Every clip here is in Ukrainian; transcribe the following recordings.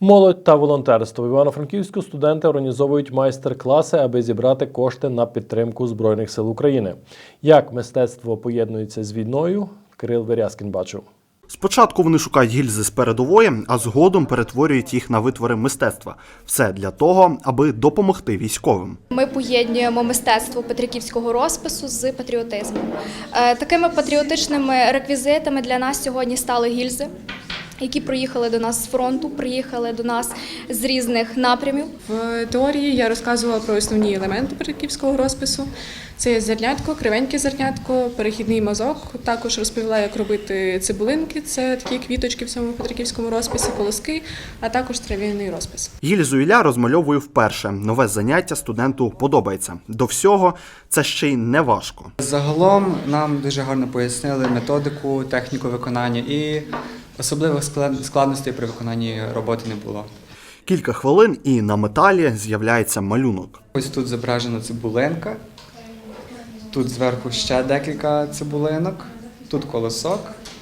Молодь та волонтерство. В Івано-Франківську студенти організовують майстер-класи, аби зібрати кошти на підтримку Збройних сил України. Як мистецтво поєднується з війною, Кирил Верязкін бачив. Спочатку вони шукають гільзи з передової, а згодом перетворюють їх на витвори мистецтва. Все для того, аби допомогти військовим. Ми поєднуємо мистецтво петриківського розпису з патріотизмом. Такими патріотичними реквізитами для нас сьогодні стали гільзи, які приїхали до нас з фронту, приїхали до нас з різних напрямів. В теорії я розказувала про основні елементи петриківського розпису. Це є зернятко, кривеньке зернятко, перехідний мазок. Також розповіла, як робити цибулинки, це такі квіточки в цьому петриківському розписі, колоски, а також трав'яний розпис. Гільзу Ілля розмальовує вперше. Нове заняття студенту подобається. До всього, це ще й не важко. Загалом нам дуже гарно пояснили методику, техніку виконання і особливих складностей при виконанні роботи не було. Кілька хвилин і на металі з'являється малюнок. Ось тут зображена цибулинка, тут зверху ще декілька цибулинок, тут колосок,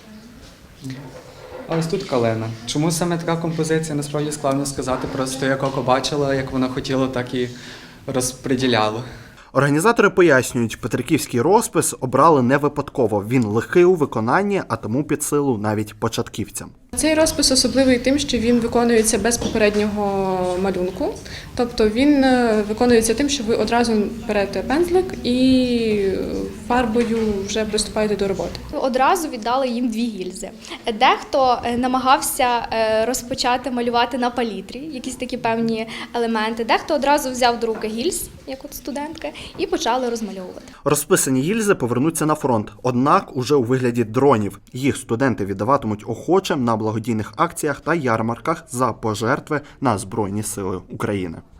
а ось тут калина. Чому саме така композиція, насправді складно сказати, просто як око бачила, як воно хотіло, так і розподіляло. Організатори пояснюють, петриківський розпис обрали не випадково. Він легкий у виконанні, а тому під силу навіть початківцям. Цей розпис особливий тим, що він виконується без попереднього малюнку. Тобто він виконується тим, що ви одразу берете пензлик і фарбою вже приступаєте до роботи. Одразу віддали їм 2 гільзи. Дехто намагався розпочати малювати на палітрі, якісь такі певні елементи. Дехто одразу взяв до руки гільз, як от студентка, і почали розмальовувати. Розписані гільзи повернуться на фронт, однак уже у вигляді дронів. Їх студенти віддаватимуть охочим на благодійних акціях та ярмарках за пожертви на Збройні Сили України.